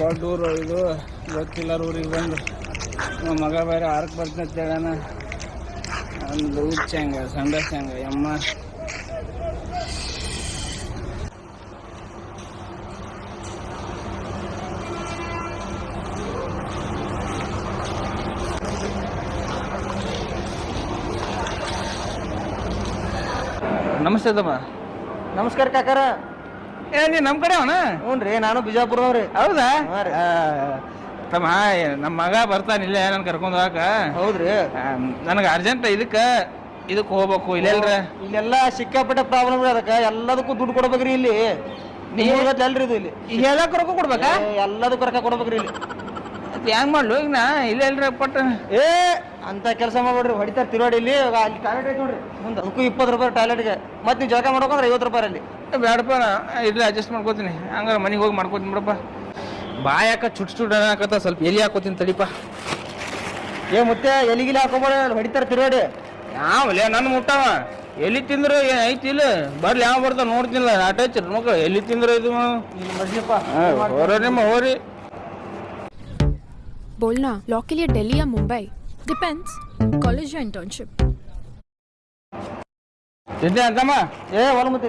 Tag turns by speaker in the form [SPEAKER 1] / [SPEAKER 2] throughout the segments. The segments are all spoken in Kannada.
[SPEAKER 1] ದೊಡ್ಡ ಊರು ಇದು, ಗೊತ್ತಿಲ್ಲ ಊರಿಗೆ ಬಂದು ನಮ್ಮ ಮಗ ಬೇರೆ ಆರಕ್ಕೆ ಬರ್ತೀನಿ ಅಂತ ಹೇಳೋಣ. ಒಂದು ಹುಚ್ಚಂಗ ಸಂಡಸಂಗ ಯಮ್ಮ. ನಮಸ್ತೆ ತಮ್ಮ.
[SPEAKER 2] ನಮಸ್ಕಾರ ಕಾಕಾರ.
[SPEAKER 1] ನೀ ನಮ್ಮ ಕಡೆ ಅವನ?
[SPEAKER 2] ಹ್ಞೂ ರೀ, ನಾನು ಬಿಜಾಪುರವ್ರಿ.
[SPEAKER 1] ಹೌದಾ? ತಮ್ಮ ನಮ್ಮ ಮಗ ಬರ್ತಾನಿಲ್ಲ ನಾನು ಕರ್ಕೊಂಡು ಹೋಗಾಕ.
[SPEAKER 2] ಹೌದ್ರಿ?
[SPEAKER 1] ನನಗೆ ಅರ್ಜೆಂಟ್ ಇದಕ್ಕೆ ಹೋಗ್ಬೇಕು.
[SPEAKER 2] ಇಲ್ಲೆಲ್ಲ ಸಿಕ್ಕಾಪಟ್ಟೆ ಪ್ರಾಬ್ಲಮ್ ರೀ. ಅದಕ್ಕೆ ಎಲ್ಲದಕ್ಕೂ ದುಡ್ಡು ಕೊಡ್ಬೇಕ್ರಿ. ಇಲ್ಲಿ ಅಲ್ರಿ ಇದು ಇಲ್ಲಿ
[SPEAKER 1] ಎಲ್ಲ ಕರ್ಕೊ ಕೊಡ್ಬೇಕಾ?
[SPEAKER 2] ಎಲ್ಲದಕ್ಕೂ ರೊಕ್ಕ ಕೊಡ್ಬೇಕ್ರಿ ಇಲ್ಲಿ.
[SPEAKER 1] ಹೆಂಗ್ ಮಾಡ್ಲು ಈಗ ನಾ ಇಲ್ಲ ಎಲ್ರಿ ಪಟ್ಟ
[SPEAKER 2] ಅಂತ ಕೆಲಸ ಮಾಡ್ಬೇಡ್ರಿ. ಹೊಡಿತಾರೆ ತಿರುವಾಡಿ. ಇಲ್ಲಿ ಅಲ್ಲಿ ಟಾಯ್ಲೆಟ್ ಐತೆ ನೋಡ್ರಿ ಮುಂದೆ, ಅದಕ್ಕೂ 20 ರೂಪಾಯಿ ಟಾಯ್ಲೆಟ್ಗೆ. ಮತ್ತೆ ನೀವು ಜಳಕ ಮಾಡ್ಬೇಕಂದ್ರೆ 50 ರೂಪಾಯಿ ಅಲ್ಲಿ.
[SPEAKER 1] ಬೇಡಪ್ಪ, ಇಲ್ಲ ಅಡ್ಜಸ್ಟ್ ಮಾಡ್ಕೋತೀನಿ. ಹಂಗಾರೆ ಮನೆಗೆ ಹೋಗಿ ಮಾಡ್ಕೋತೀನಿ ಬಿಡಪ್ಪ. ಬಾಯಾಕ ಚುಟ್ ಅನ್ನಕತ್ತ, ಸ್ವಲ್ಪ ಎಲಿ ಹಾಕೋತೀನಿ ತಡಿಪ.
[SPEAKER 2] ಮತ್ತೆ ಎಲಿಗಿಲಿ ಹಾಕೋಬೇಡ, ಹೊಡಿತಾರೆ ತಿರುವಾಡಿ.
[SPEAKER 1] ಯಾವಲ್ಲ ನನ್ನ ಮುಟ್ಟವ ಎಲ್ಲಿ ತಿಂದ್ರೆ ಏನು ಐತಿ ಇಲ್ಲ? ಬರ್ಲಿ ಯಾವ ಬರ್ತಾವ ನೋಡ್ತಿಲ್ಲ. ಆಟ ಹಚ್ಚಿ ಮಕ್ಕಳು ಎಲ್ಲಿ ತಿಂದ್ರೆ ಇದು ಹೊರ ನಿಮ್ಮ ಹೋರಿ.
[SPEAKER 3] बोलना लॉ के लिए दिल्ली या मुंबई? डिपेंड्स, कॉलेज या इंटर्नशिप.
[SPEAKER 1] ತಿಂದೆ ಅಂತಮ್ಮ?
[SPEAKER 2] ಹೊಲ ಮತ್ತೆ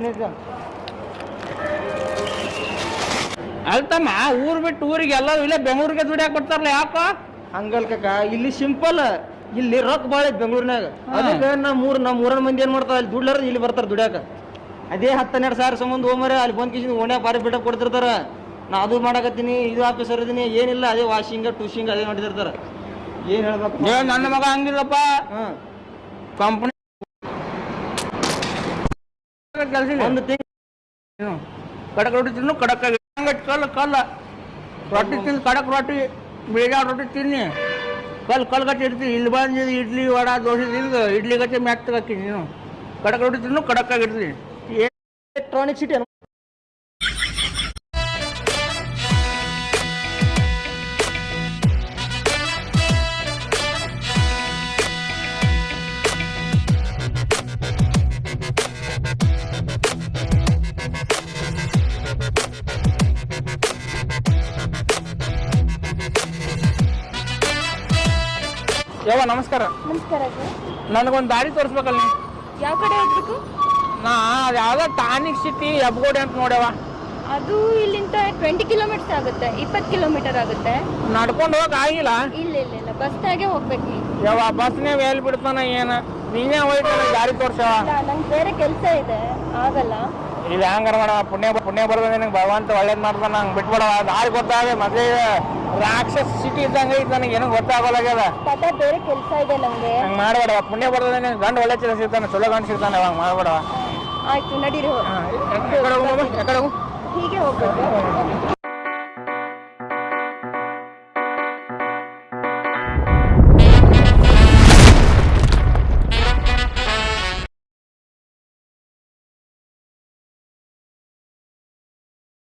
[SPEAKER 1] ಅಲ್ತಮ್ಮ, ಊರ್ ಬಿಟ್ಟು ಊರಿಗೆ ಎಲ್ಲ ಇಲ್ಲೇ ಬೆಂಗಳೂರಿಗೆ ದುಡಿಯಾಕ ಕೊಡ್ತಾರಲ್ಲ, ಯಾಕ
[SPEAKER 2] ಹಂಗಲ್ ಕಾಕ? ಇಲ್ಲಿ ಸಿಂಪಲ್, ಇಲ್ಲಿ ರೊಕ್ಕ ಭಾಳ ಐತಿ ಬೆಂಗಳೂರಿನಾಗ. ಅದಕ್ಕೆ ನಮ್ಮ ಊರನ ಮಂದಿ ಏನ್ ಮಾಡ್ತಾರ, ಅಲ್ಲಿ ದುಡ್ಲಾರ ಇಲ್ಲಿ ಬರ್ತಾರ ದುಡ್ಯಾಕ. ಅದೇ 10-12 ಸಾವಿರ ಸಂಬಂಧ ಹೋಮರೆ ಅಲ್ಲಿ ಬಂದ್ ಕಿಶನ್ ಓಣ್ಯಾಗ ಬಾರಿ ಬಿಟ್ಟ ಕೊಡ್ತಿರ್ತಾರ. ನಾ ಅದು ಮಾಡಕತ್ತೀನಿ, ಇದು ಆಫೀಸರ್ ಇದೀನಿ, ಏನಿಲ್ಲ ಅದೇ ವಾಷಿಂಗ್ ಟೂಶಿಂಗ್ ಅದೇ ಮಾಡಿದಿರ್ತಾರ. ಏನ್ ಹೇಳ್ಬೇಕು?
[SPEAKER 1] ನನ್ನ ಮಗ ಹಂಗಿಲ್ಲಪ್ಪ. ಕಂಪ್ನಿ ಕೆಲಸ
[SPEAKER 2] ಒಂದು ತಿಂಗಳು
[SPEAKER 1] ಕಡಕ್ ರೊಟ್ಟಿ ತಿನ್ನು, ಕಡಕ್ ಕಲ್ಲ ರೊಟ್ಟಿ ತಿಂದು ಕಡಕ್ ರೊಟ್ಟಿ, ಬೇಜಾರು ರೊಟ್ಟಿ ತಿನ್ನಿ, ಕಲ್ ಗಟ್ಟಿ ಇಡ್ತೀನಿ. ಇಲ್ಲಿ ಬಂದು ಇಡ್ಲಿ ವಡ ದೋಸೆ ತಿಂದು ಇಡ್ಲಿ ಗಟ್ಟಿ ಮ್ಯಾಕ್ ಹಾಕಿನಿ. ನೀನು ಕಡಕ್ ರೊಟ್ಟಿ ತಿನ್ನು, ಕಡಕ್ಕಾಗಿ ಇಡ್ತೀನಿ.
[SPEAKER 2] ಎಲೆಕ್ಟ್ರಾನಿಕ್ ಸಿಟಿ
[SPEAKER 1] ಯವ್ವ ನಮಸ್ಕಾರ.
[SPEAKER 4] ನಮಸ್ಕಾರ.
[SPEAKER 1] ನನಗೊಂದು ದಾರಿ ತೋರಿಸ್ಬೇಕಲ್ಲ.
[SPEAKER 4] ಯಾವ ಕಡೆ ಹೋಗ್ಬೇಕು?
[SPEAKER 1] ನಾ ಅದು ಯಾವುದೋ ಟಾನಿಕ್ ಸಿಟಿ ಹೆಬ್ಗೋಡಿ ಅಂತ ನೋಡ್ಯವ.
[SPEAKER 4] ಅದು ಇಲ್ಲಿಂದ 20 ಕಿಲೋಮೀಟರ್ ಆಗುತ್ತೆ, 20 ಕಿಲೋಮೀಟರ್ ಆಗುತ್ತೆ.
[SPEAKER 1] ನಡ್ಕೊಂಡು ಹೋಗಕ್ ಆಗಿಲ್ಲ?
[SPEAKER 4] ಇಲ್ಲ ಬಸ್ನಾಗೆ ಹೋಗ್ಬೇಕು ನೀವು.
[SPEAKER 1] ಯವ್ವ ಬಸ್ನೇ ಎಲ್ಲಿ ಬಿಡ್ತಾನ ಏನು? ನೀನೇ ಹೋಯ್ತು ನನಗೆ ದಾರಿ ತೋರ್ಸವ.
[SPEAKER 4] ನಂಗೆ ಬೇರೆ ಕೆಲಸ ಇದೆ, ಆಗಲ್ಲ.
[SPEAKER 1] ಇದು ಹ್ಯಾಂಗಾರ ಮಾಡವ, ಪುಣ್ಯ ಬರೋದ ನಿನಗೆ ಭಗವಂತ ಒಳ್ಳೇದು ಮಾಡ್ತಾನ. ನಂಗೆ ಬಿಟ್ಬಿಡವ. ದಾರಿ ಗೊತ್ತಾಗ ಮತ್ತೆ ರಾಕ್ಷಸ ಸಿಟಿ ಇದ್ದಂಗೆ ಐತೆ, ನನಗೆ ಏನೂ ಗೊತ್ತಾಗೋಲಾಗ್ಯದ.
[SPEAKER 4] ಬೇರೆ ಕೆಲಸ ಇದೆ ನಂಗೆ.
[SPEAKER 1] ಹಂಗೆ ಮಾಡಬೇಡವ. ಪುಣ್ಯ ಬರೋದ ನಿನಗೆ ಗಂಡು ಒಳ್ಳೆ ಚಲ ಸಿಗ್ತಾನೆ, ಚಲೋ ಗಂಡು ಸಿಗ್ತಾನೆ. ಅವಾಗ ಮಾಡಬೇಡವ.
[SPEAKER 4] ಆಯ್ತು ನಡೀರಿ.
[SPEAKER 1] ಎಕಡೆ ಹೋಗು?
[SPEAKER 4] ಹೀಗೆ ಹೋಗ್ಬೇಕು.